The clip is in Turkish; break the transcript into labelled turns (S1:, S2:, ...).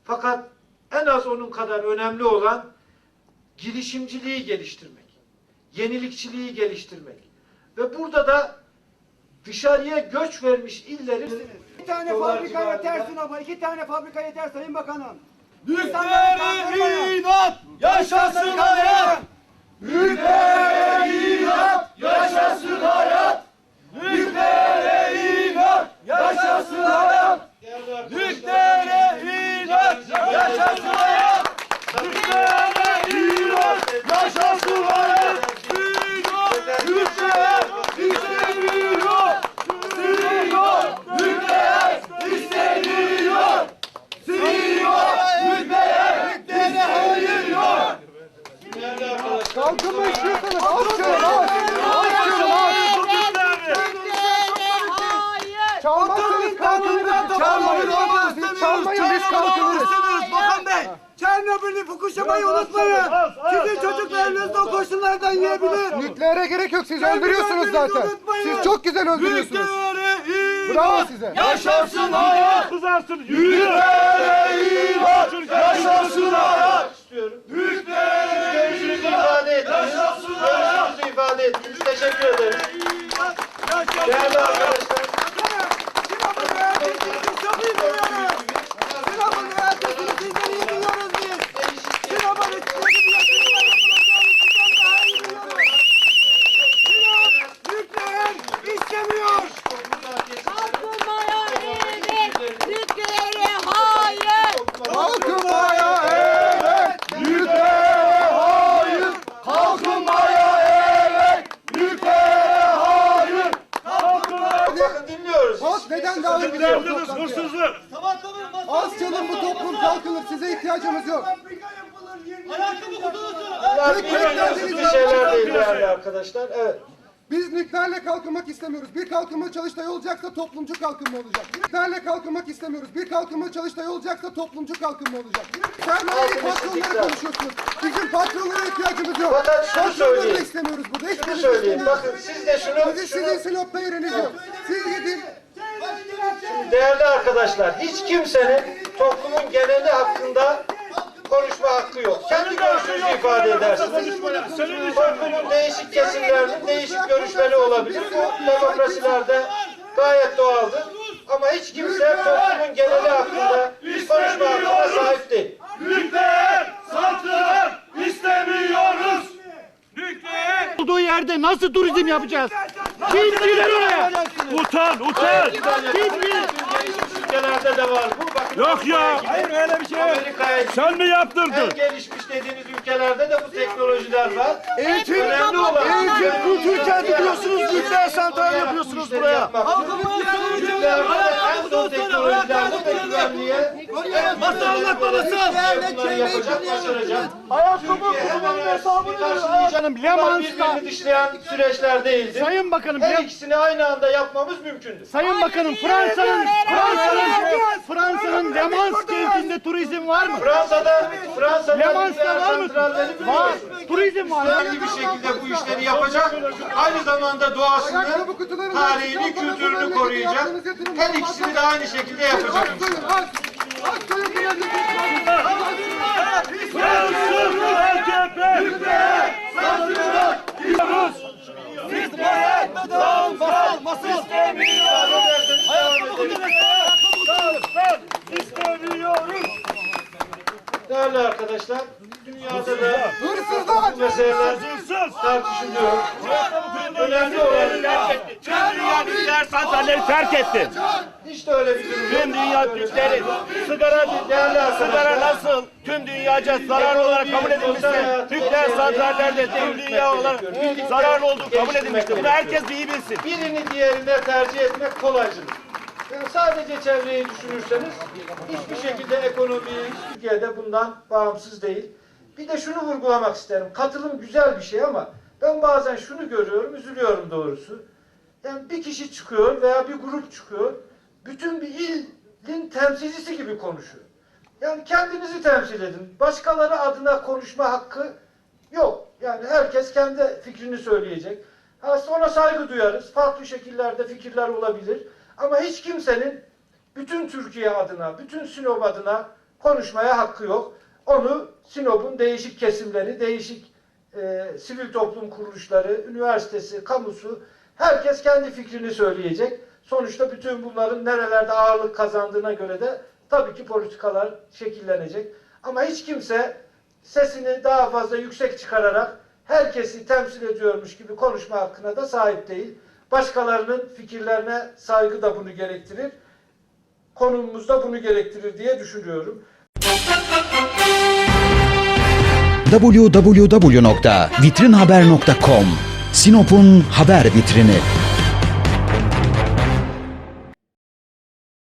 S1: Fakat en az onun kadar önemli olan girişimciliği geliştirmek, yenilikçiliği geliştirmek. Ve burada da dışarıya göç vermiş illerin...
S2: Bir tane fabrika yetersin ama 2 tane fabrika yeter Sayın Bakanım.
S3: Büyüklere inat, yaşasın hayat! Büyüklere inat, yaşasın hayat! Büyüklere inat, yaşasın hayat! Büyüklere inat, yaşasın hayat! Büyüklere inat, yaşasın hayat! Büyükler istemiyor! Siliyor! Büyükler istemiyor! Siliyor! Büyüklere hayır yok!
S2: Kalkınma istiyorsanız alçalım, çalmazsanız kalkınırız, çalmayın biz kalkınırız.
S3: Bakan Bey!
S2: Çernobil'i, Fukushima'yı unutmayın. Sizin çocuklarınız da o koşullardan yiyebilir.
S4: Nükleere gerek yok, siz öldürüyorsunuz zaten. Siz çok güzel öldürüyorsunuz. Bravo size.
S3: Yaşasın hayat! Kızarsın! Büyüklere inat! Yaşasın hayat! Büyüklere
S1: Görüşünüzü ifade ettiniz. Görüşünüzü ifade ettiniz. Teşekkür ederim. Değerli arkadaşlar.
S2: Sinop'un üretisini çok iyi biliyoruz. Sinop'un üretisini sizden iyi biliyoruz biz. Sinop'un üretisini yapılacağını sizden daha iyi biliyoruz. Sinop nükleer istemiyor.
S5: Kalkınmaya evet, Türkiye'ye hayır.
S4: Kalkınmaya evet, nükleere hayır.
S3: Kalkınmaya evet! Büyüklere hayır!
S1: Bakın dinliyoruz.
S4: Halk neden davet ediyor toplantıya? Az çalın, bu toplum kalkınır, size ihtiyacımız yok.
S1: Bunlar birbirine bir şeyler değil değerli arkadaşlar. Evet.
S4: Biz nükleerle kalkınmak istemiyoruz. Bir kalkınma Çalıştay olacaksa toplumcu kalkınma olacak. Nükleerle kalkınmak istemiyoruz. Bir kalkınma Çalıştay olacaksa toplumcu kalkınma olacak. Sermayeyi patronlara konuşuyorsunuz. Bizim patronlara ihtiyacımız yok.
S1: Fakat şunu
S4: Patronları da
S1: söyleyeyim.
S4: istemiyoruz burada.
S1: Şunu söyleyeyim. Bakın siz de
S4: Sizin Sinop'ta yeriniz yok. Siz gidin.
S1: değerli arkadaşlar, hiç kimsenin toplumun geneli hakkında konuşma hakkı yok. Kendi görüşünüzü ifade edersiniz. Toplumun değişik kesimlerinin değişik görüşleri olabilir. Bu demokrasilerde gayet doğaldır. Ama hiç kimse toplumun geneli hakkında konuşma hakkına sahip değil.
S3: Nükleer santral istemiyoruz! Nükleer
S6: Olduğu yerde nasıl turizm yapacağız? Kim gider oraya?
S3: Utan!
S1: Kim bilir? Gelişmiş ülkelerde de var bu. Bakın,
S3: Yok ya! Hayır öyle bir şey yok!
S1: Amerika'ya
S3: Sen mi
S1: en
S3: yaptırdın?
S1: gelişmiş dediğiniz ülkelerde de bu teknolojiler var.
S3: Eğitim
S1: kültür
S3: kenti diyorsunuz, nükleer santral yapıyorsunuz buraya.
S1: En son teknolojilerde ve güvenliğe
S3: Nasıl anlatmaması?
S1: bunları yapacak, başaracak.
S3: Ayakkabı
S1: Hemen hesabını birbirini dışlayan süreçler değildir.
S6: Sayın Bakanım,
S1: Her ikisini aynı anda yapmamız mümkündür.
S6: Sayın Bakanım, Fransa'nın Le Mans kentinde turizm var mı?
S1: Fransa'da
S6: Le Mans'ta
S1: nükleer
S6: var mı?
S1: santralleri
S6: Var.
S1: biliyoruz.
S6: Turizm var.
S1: Düzenli bir şekilde bu işleri yapacak. Aynı zamanda doğasını, tarihini, kültürünü koruyacak. Her ikisini de aynı şekilde yapacak.
S3: Fransız AKP! Nükleer santral diyoruz! Biz bu hayatta dağılmasın! İstemiyoruz! İstemiyoruz!
S1: Değerli arkadaşlar, dünyada da bu meseleler tartışılıyor. Önemli olan
S3: Tüm dünya nükleer santralleri terk etti.
S1: hiç de öyle bir durum yok.
S3: Tüm dünya nükleeri, sigara nasıl tüm dünyaca zararlı olarak kabul edilmişse, nükleer santrallerde tüm dünya olarak zararlı olduğu kabul edilmiştir. Bunu herkes iyi bilsin.
S1: Birini diğerine tercih etmek kolaycılık. Yani sadece çevreyi düşünürseniz hiçbir şekilde ekonomi Türkiye'de bundan bağımsız değil. Bir de şunu vurgulamak isterim. Katılım güzel bir şey ama ben bazen şunu görüyorum, üzülüyorum doğrusu. Yani bir kişi çıkıyor veya bir grup çıkıyor, bütün bir ilin temsilcisi gibi konuşuyor. Yani kendinizi temsil edin. Başkaları adına konuşma hakkı yok. Yani herkes kendi fikrini söyleyecek. Sonra saygı duyarız. Farklı şekillerde fikirler olabilir. Ama hiç kimsenin bütün Türkiye adına, bütün Sinop adına konuşmaya hakkı yok. Onu Sinop'un değişik kesimleri, değişik sivil toplum kuruluşları, üniversitesi, kamusu, herkes kendi fikrini söyleyecek. Sonuçta bütün bunların nerelerde ağırlık kazandığına göre de tabii ki politikalar şekillenecek. Ama hiç kimse sesini daha fazla yüksek çıkararak herkesi temsil ediyormuş gibi konuşma hakkına da sahip değil. Başkalarının fikirlerine saygı da bunu gerektirir. Konumumuz da bunu gerektirir diye düşünüyorum.
S7: www.vitrinhaber.com Sinop'un haber vitrini.